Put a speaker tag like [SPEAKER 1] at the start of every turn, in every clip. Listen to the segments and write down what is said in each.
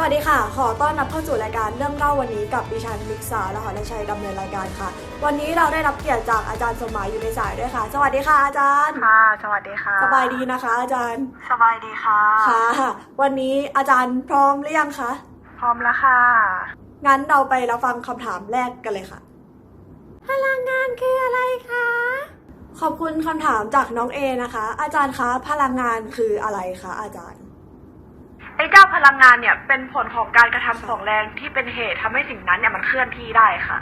[SPEAKER 1] วัสดีค่ะขอต้อนรับเข้าสู่รายการเรื่องเล่าวันนี้กับดิฉันมิกษาและหรชัยดำเนินรายการค่ะวันนี้เราได้รับเกียรติจากอาจารย์สมหมายอยู่ในสายด้วยค่ะสวัสดีค่ะอาจารย์
[SPEAKER 2] ค่ะสวัสดีค่ะ
[SPEAKER 1] สบายดีนะคะอาจารย์
[SPEAKER 2] สบายดีค่ะ
[SPEAKER 1] ค่ะวันนี้อาจารย์พร้อมหรือยังคะ
[SPEAKER 2] พร้อมแล้วค่ะ
[SPEAKER 1] งั้นเราไปรับฟังคำถามแรกกันเลยค่ะพลังงานคืออะไรคะขอบคุณคำถามจากน้องเอนะคะอาจารย์คะพลังงานคืออะไรคะอาจารย์
[SPEAKER 2] ไอ้เจ้าพลังงานเนี่ยเป็นผลของการกระทำของแรงที่เป็นเหตุทำให้สิ่งนั้นเนี่ยมันเคลื่อนที่ได้ค่ะ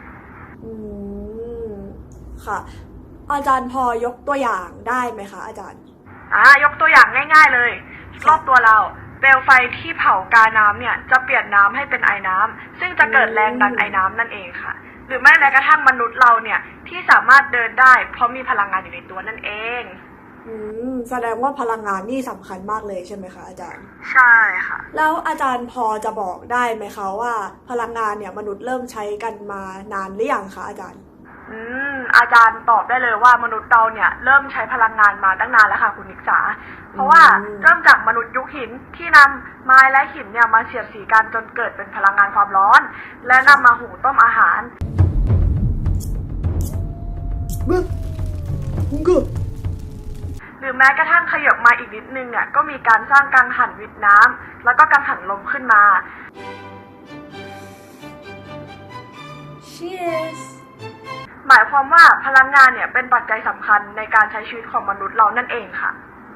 [SPEAKER 1] ค่ะอาจารย์พอยกตัวอย่างได้ไหมคะอาจารย์
[SPEAKER 2] ยกตัวอย่างง่ายๆเลยรอบตัวเราเปลวไฟที่เผากาน้ำเนี่ยจะเปลี่ยนน้ำให้เป็นไอน้ำซึ่งจะเกิดแรงดันไอน้ำนั่นเองค่ะหรือแม้กระทั่งมนุษย์เราเนี่ยที่สามารถเดินได้เพราะมีพลังงานอยู่ในตัวนั่นเอง
[SPEAKER 1] แสดงว่าพลังงานนี่สำคัญมากเลยใช่ไหมคะอาจารย์
[SPEAKER 2] ใช่ค่ะ
[SPEAKER 1] แล้วอาจารย์พอจะบอกได้ไหมคะว่าพลังงานเนี่ยมนุษย์เริ่มใช้กันมานานหรือยังคะอาจารย์
[SPEAKER 2] อาจารย์ตอบได้เลยว่ามนุษย์เราเนี่ยเริ่มใช้พลังงานมาตั้งนานแล้วค่ะคุณนิกษาเพราะว่าเริ่มจากมนุษย์ยุคหินที่นำไม้และหินเนี่ยมาเสียดสีกันจนเกิดเป็นพลังงานความร้อนและนำมาหุงต้มอาหารหรือแม้กระทั่งขยับมาอีกนิดนึงเนี่ยก็มีการสร้างกังหันวิทย์น้ำแล้วก็กังหันลมขึ้นมา
[SPEAKER 1] Cheers
[SPEAKER 2] หมายความว่าพลังงานเนี่ยเป็นปัจจัยสำคัญในการใช้ชีวิตของมนุษย์เรานั่นเองค่ะ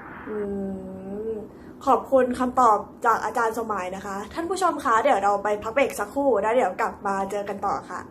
[SPEAKER 1] ขอบคุณคำตอบจากอาจารย์สมัยนะคะท่านผู้ชมคะเดี๋ยวเราไปพักเบรกสักครู่แล้วเดี๋ยวกลับมาเจอกันต่อค่ะ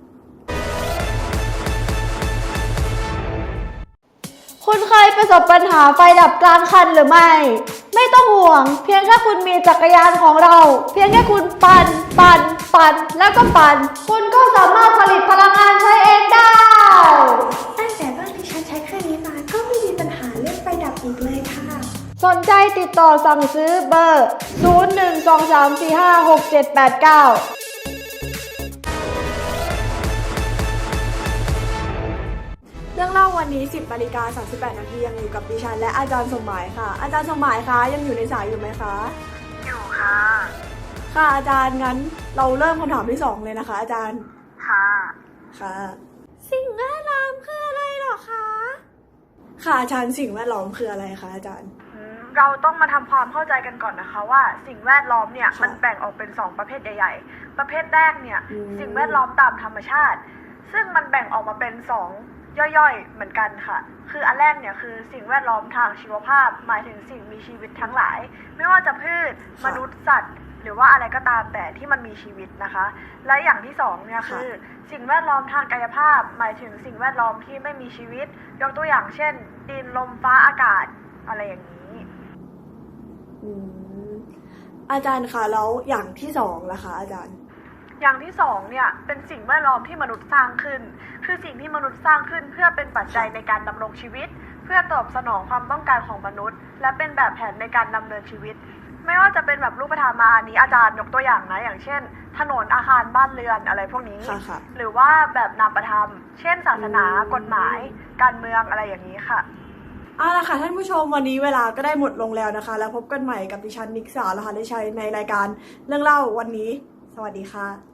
[SPEAKER 3] คุณเคยประสบปัญหาไฟดับกลางคันหรือไม่ไม่ต้องห่วงเพียงแค่คุณมีจักรยานของเราเพียงแค่คุณปั่นแล้วก็ปั่นคุณก็สามารถผลิตพลังงานใช้เองได้
[SPEAKER 4] ตั้งแต่บ้านที่ฉันใช้เครื่องนี้มาก็ไม่มีปัญหาเรื่องไฟดับอีกเลยค่ะ
[SPEAKER 3] สนใจติดต่อสั่งซื้อเบอร์ 0123456789
[SPEAKER 1] เรื่องเล่าวันนี้ 10:38 น.ยังอยู่กับดิฉันและอาจารย์สมหมายค่ะอาจารย์สมหมายคะยังอยู่ในสายอยู่ไหมคะ
[SPEAKER 2] อยู่ค่ะ
[SPEAKER 1] ค่ะอาจารย์งั้นเราเริ่มคำถามที่2เลยนะคะอาจารย์
[SPEAKER 2] ค่ะ
[SPEAKER 1] สิ่งแวดล้อมคืออะไรหรอคะค่ะอาจารย์สิ่งแวดล้อมคืออะไรคะอาจารย์
[SPEAKER 2] เราต้องมาทำความเข้าใจกันก่อนนะคะว่าสิ่งแวดล้อมเนี่ยมันแบ่งออกเป็น2ประเภทใหญ่ๆประเภทแรกเนี่ยสิ่งแวดล้อมตามธรรมชาติซึ่งมันแบ่งออกมาเป็น2ย่อยๆเหมือนกันค่ะคืออันแรกเนี่ยคือสิ่งแวดล้อมทางชีวภาพหมายถึงสิ่งมีชีวิตทั้งหลายไม่ว่าจะพืชมนุษย์สัตว์หรือว่าอะไรก็ตามแต่ที่มันมีชีวิตนะคะและอย่างที่2เนี่ยคือสิ่งแวดล้อมทางกายภาพหมายถึงสิ่งแวดล้อมที่ไม่มีชีวิตยกตัวอย่างเช่นดินลมฟ้าอากาศอะไรอย่างนี้
[SPEAKER 1] อาจารย์คะแล้วอย่างที่2ล่ะคะอาจารย์
[SPEAKER 2] อย่างที่2เนี่ยเป็นสิ่งแวดล้อมที่มนุษย์สร้างขึ้นคือสิ่งที่มนุษย์สร้างขึ้นเพื่อเป็นปัจจัยในการดำรงชีวิตเพื่อตอบสนองความต้องการของมนุษย์และเป็นแบบแผนในการดำเนินชีวิตไม่ว่าจะเป็นแบบรูปธรรมมาอันนี้อาจารย์ยกตัวอย่างนะอย่างเช่นถนนอาคารบ้านเรือนอะไรพวกนี้หรือว่าแบบนามธรรมเช่นศาสนากฎหมายการเมืองอะไรอย่างนี้ค่ะ
[SPEAKER 1] เอาล่ะค่ะท่านผู้ชมวันนี้เวลาก็ได้หมดลงแล้วนะคะแล้วพบกันใหม่กับดิฉันนิกษาและหรชัยในรายการเรื่องเล่าวันนี้สวัสดีค่ะ